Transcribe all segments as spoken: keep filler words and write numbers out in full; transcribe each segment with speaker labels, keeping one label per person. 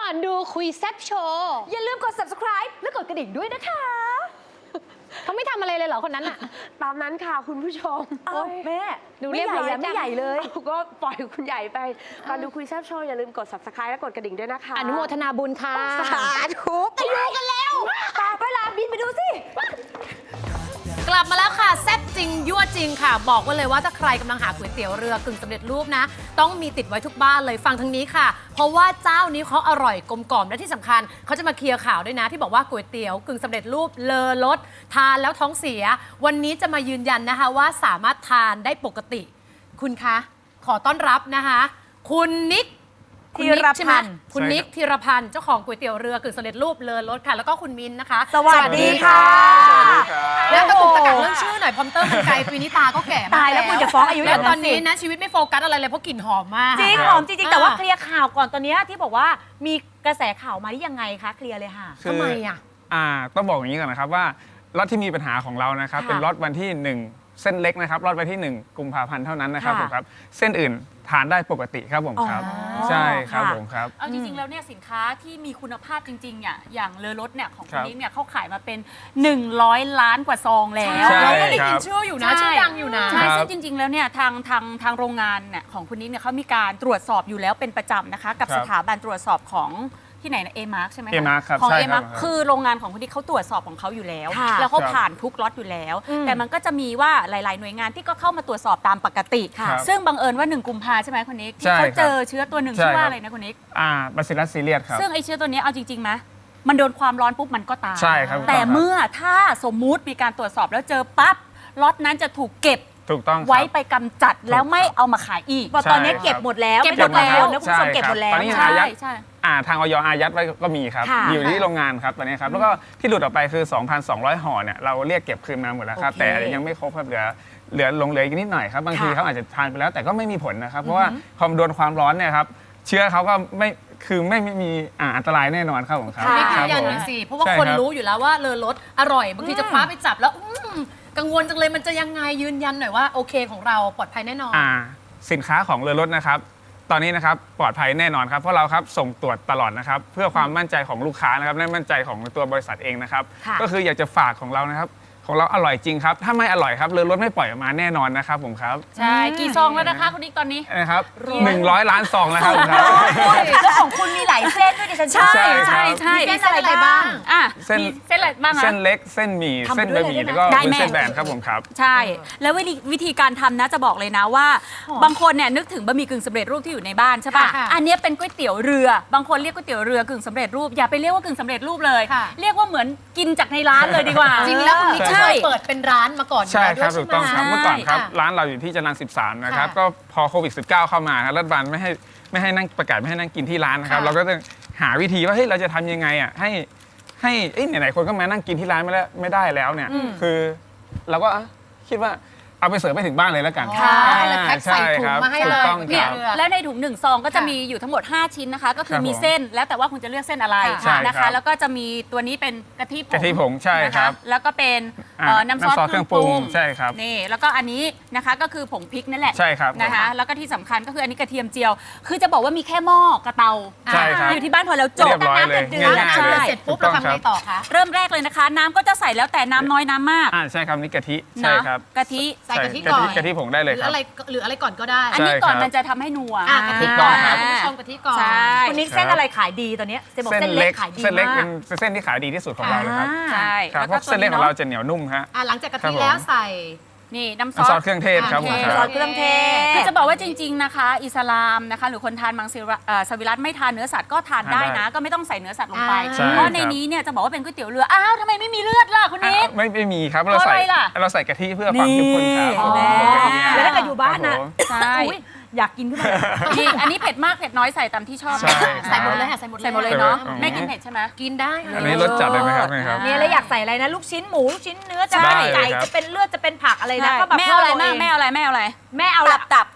Speaker 1: อนดูคุยแซ่บโชว์
Speaker 2: อย่าลืมกด ซับสไครบ์ และกดกระดิ่งด้วยนะคะ
Speaker 1: เขาไม่ทำอะไรเลยเหรอคนนั้นอะ
Speaker 2: ตามนั้นค่ะคุณผู้ชมโอ้แม่
Speaker 1: ดูเรียบร้อยจัง
Speaker 2: ไม่ใหญ่เลยก็ปล่อยคุณใหญ่ไปก่อนดูคุยแซ่บโชว์อย่าลืมกด ซับสไครบ์ และกดกระดิ่งด้วยนะคะ
Speaker 1: อนุโมทนาบุญค่ะ
Speaker 2: สาธุไปดูกันแล้วตาไปลาบินไปดูสิ
Speaker 3: กลับมาแล้วค่ะแซ่บจริงยั่วจริงค่ะบอกไว้เลยว่าถ้าใครกำลังหาก๋วยเตี๋ยวเรือกึ่งสำเร็จรูปนะต้องมีติดไว้ทุกบ้านเลยฟังทางนี้ค่ะเพราะว่าเจ้านี้เขาอร่อยกลมกล่อมและที่สำคัญเขาจะมาเคลียร์ข่าวด้วยนะที่บอกว่าก๋วยเตี๋ยวกึ่งสำเร็จรูปเลอรสทานแล้วท้องเสียวันนี้จะมายืนยันนะคะว่าสามารถทานได้ปกติคุณคะขอต้อนรับนะคะคุณนิกธีรพันธ์คุณนิกธีรพันธ์เจ้าของก๋วยเตี๋ยวเรือกึ่งสำเร็จรูปเลอรสค่ะแล้วก็คุณมินนะคะ
Speaker 2: สวัสดีค่ะ
Speaker 3: แล้วตะกุกตะกักเรื่องชื่อหน่อยพอมเตอร์มันไกลปีนี้ตาก็แก่มาก
Speaker 2: ตายแล้วคุณจะฟ้องอายุอย่างนั้น
Speaker 3: ตอนนี้นะชีวิตไม่โฟกัสอะไรเลยเพราะกลิ่นหอมมาก
Speaker 4: จริงหอมจริงๆแต่ว่าเคลียร์ข่าวก่อนตอนนี้ที่บอกว่ามีกระแสข่าวมาที่ยังไงคะเคลียร์เลยค่ะ
Speaker 3: ทำไมอ่ะ
Speaker 5: อ่าต้องบอกอย่างนี้ก่อนนะครับว่าล็อตที่มีปัญหาของเรานะครับเป็นล็อตวันที่หนึ่งเส้นเล็กนะครับล็อตวันที่หนึ่งกุมภาพันธ์เท่านั้นนะครับผมครับเส้นอื่นทานได้ปกติครับผมครับใช่ครับผมครับ
Speaker 4: เอาจริงๆแล้วเนี่ยสินค้าที่มีคุณภาพจริงๆเนี่ยอย่างเลอรสเนี่ยของคุณนิกเนี่ยเขาขายมาเป็นหนึ่งร้อยล้านกว่าซองแล้ว
Speaker 3: เราก็ได้ยินชื่ออยู่นะชื่อดังอยู่นะ
Speaker 4: ใช่ซึ่งจริงๆแล้วเนี่ยทางทางทางโรงงานเนี่ยของคุณนิกเนี่ยเขามีการตรวจสอบอยู่แล้วเป็นประจำนะคะกับสถาบันตรวจสอบของที่ไหนนะเอมาร์กใช่ไหมคะ
Speaker 5: เอมาร์กครับ
Speaker 4: ของเอมาร์กคือโรงงานของคุณนิกเขาตรวจสอบของเขาอยู่แล้ว แล้วเขาผ่านทุกล็อตอยู่แล้ว แต่มันก็จะมีว่าหลายๆหน่วยงานที่ก็เข้ามาตรวจสอบตามปกติซึ่งบังเอิญว่าหนึ่งกุมภาใช่ไหมคุณนิกที่เขาเจอเชื้อตัวหนึ่งชื่อว่าอะไรนะคุณนิก
Speaker 5: อ่าบาซิลัสซีเรียสครับ
Speaker 4: ซึ่งไอเชื้อตัวนี้เอาจริงๆไหมมันโดนความร้อนปุ๊บมันก็ตาย
Speaker 5: ใช่ครับ
Speaker 4: แต่เมื่อถ้าสมมุติมีการตรวจสอบแล้วเจอปั๊บล็อตนั้นจะถูกเก็บ
Speaker 5: ถูกต้อง
Speaker 4: ไว้ไปกำจัดแล้วไม่เอามาขายอีก
Speaker 2: ตอนนี้เก็บหมดแล้ว
Speaker 4: เก็บหมดแล้ว
Speaker 2: นะคุณผู้ชมเก็บหมดแล้ว
Speaker 5: ตอนนี้อายัดอ่าทางอยอายัดไว้ก็มีครับอยู่ที่โรงงานครับตอนนี้ครับแล้วก็ที่หลุดออกไปคือ สองพันสองร้อย ห่อเนี่ยเราเรียกเก็บคืนมาหมดแล้วครับแต่ยังไม่ครบครับเหลือเหลือลงเหลืออีกนิดหน่อยครับบางทีเขาอาจจะทานไปแล้วแต่ก็ไม่มีผลนะครับเพราะว่าพอโดนความร้อนเนี่ยครับเชื้อเขาก็ไม่คือไม่มีอันตรายแน่นอนครับผมครับ
Speaker 3: นี่ยืนยันหน่อยสิเพราะว่าคนรู้อยู่แล้วว่าเลอรสอร่อยบางทีจะคว้าไปจับแล้วกังวลจังเลยมันจะยังไงยืนยันหน่อยว่าโอเคของเราปลอดภัยแน่นอน
Speaker 5: อ่าสินค้าของเรือรถนะครับตอนนี้นะครับปลอดภัยแน่นอนครับเพราะเราครับส่งตรวจตลอดนะครับเพื่อความมั่นใจของลูกค้านะครับและมั่นใจของตัวบริษัทเองนะครับก็คืออยากจะฝากของเรานะครับของเราอร่อยจริงครับถ้าไม่อร่อยครับเรือรถไม่ปล่อยออกมาแน่นอนนะครับผมครับ
Speaker 4: ใช่กี่ซองแล้วนะคะคุณนิกตอนนี้
Speaker 5: นะครับหนึ่งร้อยล้านซองแล้วครับ
Speaker 2: แล้วของคุณมีหลายเส้นด้วยดิฉัน
Speaker 4: ใช่ใช่ใช่
Speaker 3: เส้นอะไรบ้าง
Speaker 4: อ่ะเส้นเส้นอะไรบ้างคะ
Speaker 5: เส้นเล็กเส้นหมี่เส้นบะหมี่แล้วก็เส้นแบนครับผมครับ
Speaker 4: ใช่แล้ววิธีการทำนะจะบอกเลยนะว่าบางคนเนี่ยนึกถึงบะหมี่กึ่งสำเร็จรูปที่อยู่ในบ้านใช่ป่ะอันนี้เป็นก๋วยเตี๋ยวเรือบางคนเรียกก๋วยเตี๋ยวเรือกึ่งสำเร็จรูปอย่าไปเรียกว่ากึ่งสำเร็จรูปเลยเรียกว่าเหมือนกินจากในร้านเลยดีกว่า
Speaker 3: จริงแล้วคุณนิกเคยเปิดเป็นร้านมาก่อน
Speaker 5: ใช่ครับถูกต้องครับเมื่อก่อนครับร้านเราอยู่ที่จรัญสิบสามนะครับก็พอโควิด สิบเก้า เข้ามารัฐบาลไม่ให้ไม่ให้นั่งประกาศไม่ให้นั่งกินที่ร้านนะครับเราก็ต้องหาวิธีว่าเฮ้ยเราจะทำยังไงอ่ะให้ให้ไหนๆคนก็มานั่งกินที่ร้านไม่ได้ไม่ได้แล้วเนี่ยคือเราก็คิดว่าเอาไปเสิร์ฟไปถึงบ้านเลยแล้วกัน
Speaker 3: ใช่แล้วแพ็คใส่ถุงมาให้เลย
Speaker 4: เนี่ยแล้วในถุงหนึ่งซองก็จะมีอยู่ทั้งหมดห้าชิ้นนะคะก็คือมีเส้นแล้วแต่ว่าคุณจะเลือกเส้นอะไรนะคะแล้วก็จะมีตัวนี้เป็นกะทิผง
Speaker 5: กะทิผงใช่ครับ
Speaker 4: แล้วก็เป็นน้ำซอสเครื่องปรุง
Speaker 5: ใช่ครับ
Speaker 4: นี่แล้วก็อันนี้นะคะก็คือผงพริกนั่นแหละ
Speaker 5: ใช่ครับ
Speaker 4: นะคะแล้วก็ที่สำคัญก็คืออันนี้กระเทียมเจียวคือจะบอกว่ามีแค่หม้อกระเตาอยู่ที่บ้านพอแล้วจบ
Speaker 5: น้ำเดือด
Speaker 3: เดือดเสร็จปุ๊บเราทำไงต่อคะ
Speaker 4: เริ่มแรกเลยนะคะน้ำก็จะใส่แล้วแต่น้ำน้อยน้ำมาก
Speaker 5: อ่าใช่ครับนี่กะทิใช่ครับ
Speaker 4: กะทิ
Speaker 3: ใส่กะทิก่อน
Speaker 5: กะทิผงได้เลย
Speaker 3: ครับหรืออะไรหรืออะไรก่อนก็ได้
Speaker 4: อันนี้ก่อนมันจะทำให้นัว
Speaker 3: กะทิก่อนคุณผู้ชมกะทิก่อน
Speaker 2: คุณนิกเส้นอะไรขายดีตอนนี้เส้นเล็กขายดี
Speaker 5: เส้นเล็กเป็นเส้นที่ขายดีที่สุดของเราเลยครับ
Speaker 4: ใช่
Speaker 5: เพราะเส้นเล็กของเราจะเหนียวนุ่มฮะ
Speaker 3: หลังจากกะทิแล้วใส่
Speaker 4: นี่น้ำซ
Speaker 5: อสเครื่องเทศครับผม
Speaker 2: ซอสเครื่องเทศ
Speaker 4: คือจะบอกว่าจริงๆนะคะอิสลามนะคะหรือคนทานมังสวิรัติไม่ทานเนื้อสัตว์ก็ทานได้นะก็ไม่ต้องใส่เนื้อสัตว์ลงไปเพราะในนี้เนี่ยจะบอกว่าเป็นก๋วยเตี๋ยวเรืออ้าวทำไมไม่มีเลือดล่ะคุณนิก
Speaker 5: ไม่ไม่มีครับเราใส่เราใส่กะทิเพื่อความเข้มข้นครับ
Speaker 2: แล้วถ้าเกิดอยู่บ้านนะ
Speaker 4: ใช่
Speaker 2: อยากกินขึ้นมา
Speaker 4: นี่อันนี้เผ็ดมากเผ็ดน้อยใส่ตามที่ชอบ
Speaker 3: ใส่หมดเลยค่ะใส่หมด
Speaker 4: ใส่หมดเลยเนาะไม่กินเผ็ดใช่ไหม
Speaker 3: กินได้
Speaker 5: อันนี้รสจัดเลยไหมครับ
Speaker 2: เนี่ยแล้วอยากใส่อะไรนะลูกชิ้นหมูลูกชิ้นเนื้อจะเป็นไก่จะเป็นเลือดจะเป็นผักอะไรนะก็แบบ
Speaker 4: แม่อะไรแม่แม่อะไรแม่อะไร
Speaker 2: แม่เอา
Speaker 4: ตับตับตับ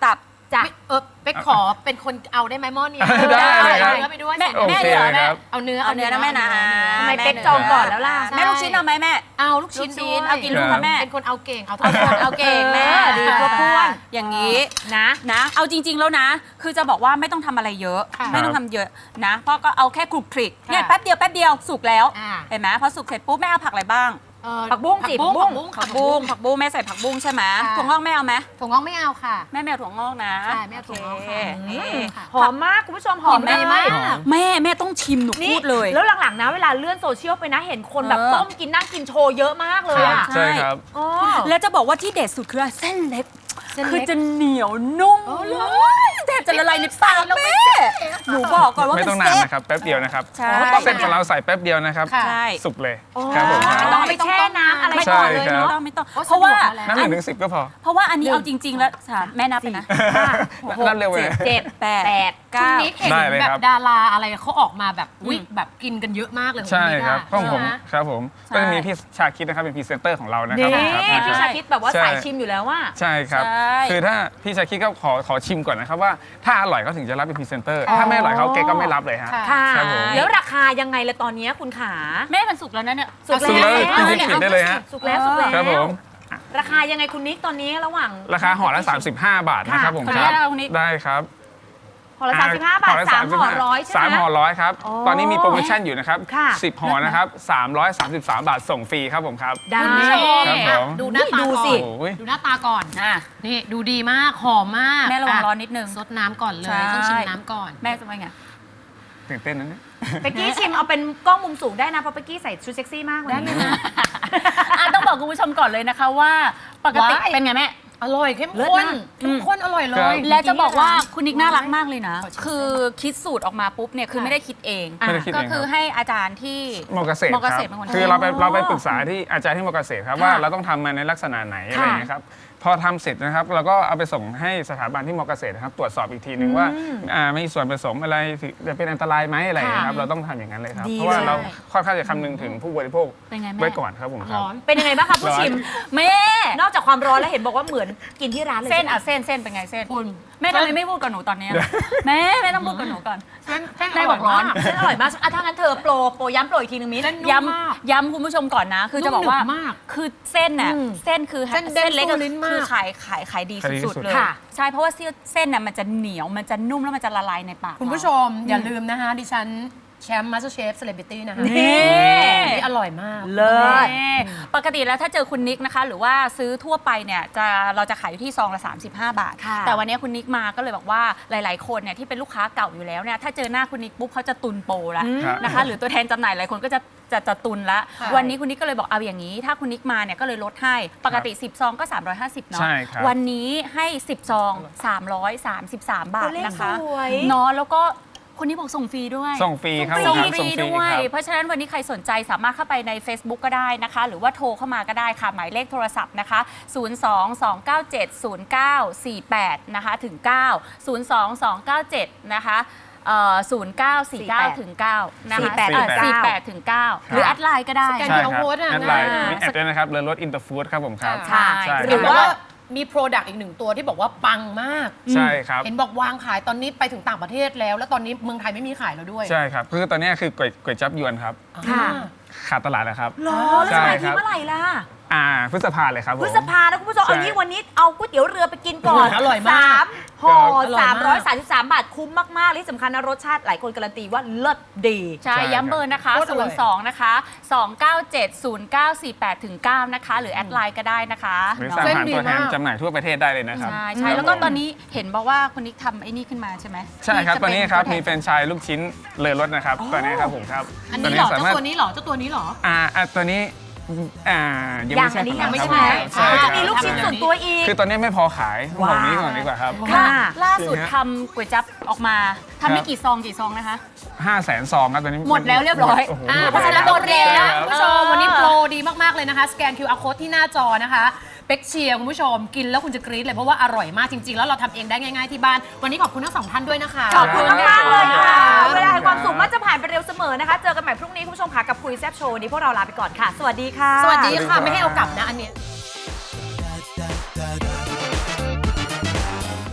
Speaker 4: จ้ะ
Speaker 3: ไม่เออเป๊กขอเป็นคนเอาได้ไหมหม้อเนี้ย
Speaker 5: ได้เลยครับ
Speaker 3: เอาเนื้อไปด้วย
Speaker 4: แม่
Speaker 3: ใส่
Speaker 5: โอ
Speaker 3: เนื้อ
Speaker 5: เค
Speaker 4: เหรอ
Speaker 5: เลยครับ
Speaker 3: เอาเนื้อ
Speaker 4: เอาเนื้อนะแม่นะ
Speaker 2: ทำไม
Speaker 4: แม่
Speaker 2: เป๊กจองก่อนแล้วล่ะ
Speaker 4: แม่ลูกชิ้นเอาไหมแม่
Speaker 3: เอาลูกชิ้น
Speaker 4: ลูกชิ้
Speaker 3: ด้วย
Speaker 4: นเอากี่ลูกคะแม่
Speaker 3: เป็นคนเอาเก่งเอาทุ
Speaker 4: เอา
Speaker 3: ก
Speaker 4: ค
Speaker 3: คน น
Speaker 4: เอาเก่งแม่
Speaker 2: เออดีครบถ้วน
Speaker 4: อย่างนี้
Speaker 2: นะ
Speaker 4: นะ เอาจริง ๆ แล้วนะ คือจะบอกว่าไม่ต้องทำอะไรเยอะ
Speaker 3: ค่ะ
Speaker 4: ไม่ต้องทำเยอะนะ เพราะก็เอาแค่คลุกคลิก
Speaker 3: ค่ะ
Speaker 4: เนี่ยแป๊บเดียวแป๊บเดียวสุกแล้ว
Speaker 3: อ่า
Speaker 4: เห็นไหมพอสุกเสร็จปุ๊บแม่เอาผักอะไรบ้าง
Speaker 3: เอ่อ
Speaker 2: ผักบุ้งสิ
Speaker 3: ผักบุ้ง
Speaker 4: ผักบุ้งผักบุ้งแม่ใส่ผักบุ้งใช่ไหม
Speaker 3: ค่ะ
Speaker 4: ถั่วงอกแม่เอาไหม
Speaker 3: ถั่วงอกไม่เอาค่ะ
Speaker 4: แม่ไม่เอาถั่วงอกนะ
Speaker 3: ใช่แม่เอาถั่วงอกค่ะ
Speaker 4: โเคนี่
Speaker 3: ค่ะ
Speaker 2: หอมมากคุณผู้ชมหอม
Speaker 3: กลิ่นดีมาก
Speaker 4: แม่แม่ต้องชิมหนู
Speaker 2: นี่
Speaker 4: พูดเลย
Speaker 2: แล้วหลังๆนะเวลาเลื่อนโซเชียลไปนะเห็นคนแบบ
Speaker 4: เออ
Speaker 2: ต้มกินนั่งกินโชว์เยอะมากเลยอะ
Speaker 3: ค่ะ
Speaker 5: ใช่ครับ
Speaker 2: อ๋อ
Speaker 4: แล้วจะบอกว่าที่เด็ดสุดคือเส้นเล็ก
Speaker 3: เส้นเล็ก
Speaker 4: คือจะเหนียวนุ่ม
Speaker 3: อ๋อเหรอ
Speaker 4: แทบจะละลายในปากแม่หนูบอกก่อนว่า
Speaker 5: ไม่
Speaker 4: มัน
Speaker 5: ต้องนาน
Speaker 4: เซ็ต
Speaker 5: นะครับแป๊บเดียวนะครับ
Speaker 4: ใช่
Speaker 5: เส้นของเราใส่แป๊บเดียวนะครับ
Speaker 3: ค่ะ
Speaker 4: ใช่
Speaker 5: สุกเลย
Speaker 2: อ๋อ
Speaker 5: ครับผมค
Speaker 2: ไม่
Speaker 5: รับ
Speaker 2: ต้องไปแช่น้ำอะไร
Speaker 5: ใช่
Speaker 2: ก่อนเลย
Speaker 5: ครับ
Speaker 2: เนาะ
Speaker 4: ไม่ต้องไม่ต้อง
Speaker 3: โอ้
Speaker 4: เพราะว่า
Speaker 3: สะดวกมาแล้ว
Speaker 5: น้ำหนึ่งถึงสิบก็พอ
Speaker 4: เพราะว่าอันนี้เอาจริง ๆ แล้วสามแม่นับไปนะ
Speaker 5: นับเร็วเลย
Speaker 2: เจ็ด
Speaker 4: แปด
Speaker 2: แปด
Speaker 3: คุณ
Speaker 4: เก้า
Speaker 3: นิกเห็น
Speaker 5: ได้เลย
Speaker 3: แบ
Speaker 5: ครับ บ
Speaker 3: ดาราอะไรเขาออกมาแบบวิ
Speaker 4: อืม
Speaker 3: แบบกินกันเยอะมากเลย
Speaker 5: ใช่ครับ
Speaker 3: ณ
Speaker 5: ของผม
Speaker 3: นิกอะ
Speaker 5: ครับผม
Speaker 4: ใช่
Speaker 5: ก็จะมีพี่ชาคิดนะครับเป็นพรีเซนเตอร์ของเรานะค
Speaker 2: นี่
Speaker 5: รับครับ
Speaker 2: พี่ชาคิดแบบว่า
Speaker 5: ใช่
Speaker 2: สายชิมอยู่แล้วว่า
Speaker 5: ใช่ครับ
Speaker 4: ใช่
Speaker 5: คือถ้าพี่ชาคิดก็ขอขอชิมก่อนนะครับว่าถ้าอร่อยเขาถึงจะรับเป็นพรีเซนเตอร์
Speaker 2: อ๋อ
Speaker 5: ถ้าไม่อร่อยเขาเกก็ไม่รับเลยฮะ
Speaker 3: ค่ะ
Speaker 2: ค่ะ
Speaker 5: ครับผม
Speaker 2: แล้วราคายังไงละตอนนี้คุณขา
Speaker 4: แม่มันสุกแล้วนะเนี่ย
Speaker 2: สุก
Speaker 5: สุกแล้ว
Speaker 2: แล้ว
Speaker 5: จริงๆปิดได้เลยฮะ
Speaker 2: สุกแล้วสุกแล้ว
Speaker 5: ครับผม
Speaker 2: ราคายังไงคุณนิกตอนนี้ระหว่าง
Speaker 5: ราคาห่อละสามสิบห้าบาทนะครับผม
Speaker 4: ขออ
Speaker 5: ค
Speaker 4: นุ
Speaker 5: รั
Speaker 4: ญา
Speaker 5: บ
Speaker 4: ตเอาคนนี้
Speaker 5: ได้ครับ
Speaker 2: ห่อละสามสิบห้าบาท
Speaker 5: ละ
Speaker 2: สามห่อ
Speaker 5: สามสิบห้
Speaker 2: ร้อยใช่ไหม
Speaker 5: สามห่อร้อยครับ
Speaker 2: อ๋อ
Speaker 5: ตอนนี้มีโปรโมชั่นอยู่นะครับ
Speaker 2: ค่ะ
Speaker 5: สิบห่อนะครับสามร้อยสามสิบสามบาทส่งฟรีครับผมครับ
Speaker 2: ได้
Speaker 3: คุณผู้ชม
Speaker 5: ครับผม
Speaker 3: ดูหน้าตา
Speaker 2: ดู
Speaker 3: ก่อ
Speaker 2: สิ
Speaker 3: น
Speaker 5: โอ้ย
Speaker 3: ดูหน้าตาก่อน
Speaker 4: อ่ะ
Speaker 3: นี่ดูดีมากหอมมาก
Speaker 4: แม่ระวังร้อน
Speaker 3: อ่
Speaker 4: นิดนึง
Speaker 3: ซดน้ำก่อนเล
Speaker 4: ใช่
Speaker 3: ยต้องชิมน้ำก่อน
Speaker 4: แม่จะว่าไง
Speaker 5: ตื่นเต้นนะเนี่ย
Speaker 2: เป๊กกี้ชิมเอาเป็นกล้องมุมสูงได้นะเพราะเป๊กกี้ใส่ชุดเซ็กซี่มากเลย
Speaker 3: ได้เลยนะ
Speaker 4: อ่ะต้องบอกคุณผู้ชมก่อนเลยนะคะว่าปกติ
Speaker 3: ว้าย
Speaker 4: เป็นไงแม่
Speaker 3: อร่อยเข้ม
Speaker 2: เลิศ
Speaker 3: ข้น
Speaker 2: มาก
Speaker 3: เข้มข้นอร่อยเล
Speaker 5: ครั
Speaker 3: ย
Speaker 5: บ
Speaker 4: และจะบอกว่าคุณนิกน่ารักมากเลยนะ
Speaker 3: ขอชิม
Speaker 4: คือคิดสูตรออกมาปุ๊บเนี่ยคือไม่ได้คิดเอง
Speaker 5: ไม่ได้คิด
Speaker 4: ก็
Speaker 5: เอง
Speaker 4: คือ
Speaker 5: ครับ
Speaker 4: ให้อาจารย์ที่
Speaker 5: มอเกษตร
Speaker 4: มอเก
Speaker 5: ค
Speaker 4: ษ
Speaker 5: รั
Speaker 4: ตรเป็นคน
Speaker 5: คือเราไป
Speaker 4: ทำ
Speaker 5: เราไปปรึกษาที่อาจารย์ที่มอเกษตรครับว่าเราต้องทำมาในลักษณะไหนอะไรอย่างเงี้ยครับพอทำเสร็จนะครับเราก็เอาไปส่งให้สถาบันที่มอเกษตรนะครับตรวจสอบอีกทีนึงว่าอ่ามีส่วนผสมอะไรจะเป็นอันตรายไหมอะไรอย่างเงี้ยครับเราต้องทำอย่างนั้นเลยครับ
Speaker 2: ดี
Speaker 5: เพราะว่า
Speaker 2: เลย
Speaker 5: เราค่อนข้างจะคำนึงถึงผู้บริโภค
Speaker 4: เป็นไงแม่
Speaker 5: ไว้ก่อนครับผมครับ
Speaker 3: ร้อน
Speaker 2: เป็นยังไงบ้างคะผู้ชิม
Speaker 4: แม่
Speaker 2: นอกจากความร้อนแล้วเห็นบอกว่าเหมือนกินที่ร้านเลย
Speaker 4: เส้น
Speaker 2: ใช่ไหม
Speaker 4: อ่ะเส้นเส้นเป็นไงเส้น
Speaker 3: คุณ
Speaker 4: แม่ทำไมไม่พูดกับหนูตอนเนี้ยแม่แม่ต้องพูดกับหนูก่อน
Speaker 3: เส้นเส้น
Speaker 4: ได้บอกร้อน
Speaker 2: เส้นอร่อยมากอ่ะถ้างั้นเธอโปรโปรย้ำโปรอีกทีนึงมิ้น
Speaker 3: เส้นนุ่ม
Speaker 4: ย้
Speaker 3: มาก
Speaker 4: ำย้ำคุณผู้ชมก่อนนะ คือจะบอกว่า
Speaker 3: นุ่มหนึบมาก
Speaker 4: คือเส้นน่ะ
Speaker 2: อืม
Speaker 4: เส้นคือ
Speaker 3: เส้นเด้ง
Speaker 4: เล็ก
Speaker 3: สู้ลิ้นมาก
Speaker 4: คือขายขายขายดี
Speaker 5: ขายดี
Speaker 4: สุด
Speaker 5: สุด
Speaker 4: ๆเลย
Speaker 2: ค่ะ
Speaker 4: ใช่เพราะว่าเส้นน่ะมันจะเหนียวมันจะนุ่มแล้วมันจะละลายในปาก
Speaker 3: คุณผู้ชมอย่าลืมนะคะ ดิฉันแชมป์มาสเตอร์เชฟเซเลบริตี้นะคะ
Speaker 2: นี่
Speaker 3: นี่อร่อยมาก
Speaker 2: เลิศ
Speaker 4: นี่ปกติแล้วถ้าเจอคุณนิกนะคะ หรือว่าซื้อทั่วไปเนี่ยจะเราจะขายอยู่ที่ซองละ สามสิบห้า บาท
Speaker 2: ค่ะ
Speaker 4: แต่วันนี้คุณนิกมาก็เลยบอกว่าหลาย ๆ คนเนี่ยที่เป็นลูกค้าเก่าอยู่แล้วเนี่ยถ้าเจอหน้าคุณนิกปุ๊บเขาจะตุนโปรแล้ว
Speaker 5: ครับ
Speaker 4: นะคะ หรือตัวแทนจำหน่ายหลายคนก็จะจะจะตุนละ
Speaker 3: ค่ะ
Speaker 4: วันนี้คุณนิกก็เลยบอกเอาอย่างนี้ ถ้าคุณนิกมาเนี่ยก็เลยลดให้ปกติสิบซองก็สามร้อยห้าสิบเนาะ
Speaker 5: ใช่ครับ
Speaker 4: วันนี้ให้สิบซองสามร้อยสามสิบสาม บาท
Speaker 2: ตัวเลข
Speaker 4: นะคะ
Speaker 2: สวย
Speaker 4: เนาะแล้วก็คนนี้บอกส่งฟรีด้วย
Speaker 5: ส่งฟรีครับ
Speaker 4: ส่ง
Speaker 5: ผมครับ
Speaker 4: ฟ
Speaker 5: ส่
Speaker 4: รี
Speaker 5: งฟรี
Speaker 4: ด้วย
Speaker 5: ครับ
Speaker 4: เพราะฉะนั้นวันนี้ใครสนใจสามารถเข้าไปใน Facebook ก็ได้นะคะ หรือว่าโทรเข้ามาก็ได้ค่ะ หมายเลขโทรศัพท์นะคะ ศูนย์ สอง สอง เก้า เจ็ด ศูนย์ เก้า สี่ แปด นะคะถึง เก้า ศูนย์ สอง สอง เก้า เจ็ด นะคะเอ่อศูนย์ เก้า สี่ เก้า ถึง เก้า นะคะ
Speaker 2: สี่แปด
Speaker 4: เอ่อ
Speaker 5: ถึงเก้า
Speaker 4: สี่แปด ถึง เก้า หรือแอดไลน์ก็ได้
Speaker 3: สแกน
Speaker 5: ใช่
Speaker 3: QR
Speaker 5: ครับ
Speaker 3: code อะ
Speaker 5: แอดไลน์
Speaker 3: ง่าย
Speaker 5: มีแอดด้วยนะครับเรือรถอินเตอร์ฟู้ดครับผมครับ
Speaker 3: ค่ะ
Speaker 4: ใช่
Speaker 5: ใช่
Speaker 3: หรือว่ามีโปรดักต์อีกหนึ่งตัวที่บอกว่าปังมาก
Speaker 5: ใช่ครับ
Speaker 3: เห็นบอกวางขายตอนนี้ไปถึงต่างประเทศแล้ว แล้วตอนนี้เมืองไทยไม่มีขายแล้วด้วย
Speaker 5: ใช่ครับคือตอนนี้คือก๋วยก๋วยจั๊บยวนครับ
Speaker 2: ค่ะ
Speaker 3: อ่า
Speaker 5: ขาดตลาดแล้วครับ
Speaker 2: หรอแล้ว
Speaker 5: ใช่
Speaker 2: จะขาย
Speaker 5: ครั
Speaker 2: ที่
Speaker 5: บ
Speaker 2: เมื่อไหร่ล่ะ
Speaker 5: อ่าพฤษภาเลยครับผม
Speaker 2: พฤษภานะคุณผู้ชม
Speaker 5: ใช่
Speaker 2: เอางี้วันนี้เอาก๋วยเตี๋ยวเรือไปกินก่อน
Speaker 3: อร่อยมาก
Speaker 2: สามห่อ
Speaker 3: อร่อยมาก
Speaker 2: สามร้อยสามสิบสามบาทคุ้มมากๆและที่สำคัญนะรสชาติหลายคนการันตีว่าเลิศดี
Speaker 4: ใช่
Speaker 5: ใช่
Speaker 4: ย้ำเบอร์นะคะ
Speaker 3: โคตรอร่อย
Speaker 4: ศูนย์ สอง นะคะ สอง เก้า เจ็ด ศูนย์ เก้า สี่ แปด ถึง เก้า นะคะ หรือแอดไลน์ก็ได้นะคะ
Speaker 5: หรือ
Speaker 4: เนาะ
Speaker 5: สั่ง
Speaker 3: เส้น
Speaker 5: ผ่าน
Speaker 3: ดี
Speaker 5: ตัวแทน
Speaker 3: มาก
Speaker 5: จำหน่ายทั่วประเทศได้เลยนะครับ
Speaker 4: ใช่ใช่
Speaker 5: ครับ
Speaker 4: แล้วก็
Speaker 5: ผม
Speaker 4: ตอนนี้เห็นบอกว่าคุณนิกทำไอ้นี่ขึ้นมาใช่ไหม
Speaker 5: ใช่ครับ
Speaker 4: ที่
Speaker 5: ต
Speaker 4: จะ
Speaker 5: อนนี้ครับ
Speaker 4: เป็
Speaker 5: มี
Speaker 4: น
Speaker 5: แฟรนไชส์ลูกชิ้นเลอรถนะครับตอนนี้ครับผมครับ
Speaker 3: อันนี้เหรอ
Speaker 5: สา
Speaker 3: เจ้าม
Speaker 5: ารถ
Speaker 3: ตัวนี้เหรอเจ้าตัวนี้เหรอ
Speaker 5: อ่าอ่าตัวนี้อ่ายัง
Speaker 2: ยั
Speaker 5: ไม่
Speaker 2: ง
Speaker 5: ใช่
Speaker 2: อันนี้
Speaker 5: ข
Speaker 2: ยัง
Speaker 5: ง
Speaker 2: ไม่
Speaker 5: เรา
Speaker 2: ใช่ไหม
Speaker 5: ใช่
Speaker 2: อ๋อ
Speaker 5: ค
Speaker 2: จะ
Speaker 5: รับ
Speaker 2: มีลูกชิ้นส่วนตัวอีก
Speaker 5: คือตอนนี้ไม่พอขายบ
Speaker 2: ว้าว
Speaker 5: อกนี้ก่อนดีกว่าครับ
Speaker 2: ค่ะ
Speaker 4: ล่าสุด
Speaker 5: จริงฮะ
Speaker 4: ทำก๋วยจั๊บออกมาทำได้กี่ซองกี่ซองนะคะ
Speaker 5: ห้าแสนซองครับตอนนี้
Speaker 4: หมดแล้วเรียบร้อย
Speaker 5: โโห
Speaker 3: อ่า
Speaker 5: หมด
Speaker 3: เพราะฉะนั้น
Speaker 5: แล้
Speaker 3: โด
Speaker 5: ว
Speaker 3: นเร็วนะ
Speaker 5: ใช่
Speaker 3: คุณ
Speaker 5: รับ
Speaker 3: ผู้ชม วันนี้โปรดีมาก ๆ เลยนะคะ สแกน คิว อาร์ Code ที่หน้าจอนะคะเป็กเชียร์คุณผู้ชมกินแล้วคุณจะกรี๊ดเลยเพราะว่าอร่อยมากจริง ๆ แล้วเราทำเองได้ง่าย ๆ ที่บ้าน วันนี้ขอบคุณทั้งสองท่านด้วยนะคะ
Speaker 2: ขอบคุณมากๆเลยค่ะ
Speaker 3: ขอบคุณค่ะ
Speaker 2: เวลาแห่งความสุขมักจะผ่านไปเร็วเสมอนะคะ เจอกันใหม่พรุ่งนี้คุณผู้ชมค่ะกับคุยแซ่บโชว์วันนี้พวกเราลาไปก่อนค่ะ สวัสดีค่ะ
Speaker 3: สวัสดี
Speaker 5: สวัสดีครั
Speaker 3: ค่ะ
Speaker 5: บ
Speaker 3: ไม่ให้เอากลับนะอันเนี้ย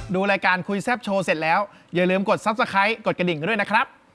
Speaker 6: ดูรายการคุยแซบโชว์เสร็จแล้วอย่าลืมกด ซับสไครบ์ กดกระดิ่งกันด้วยนะครับ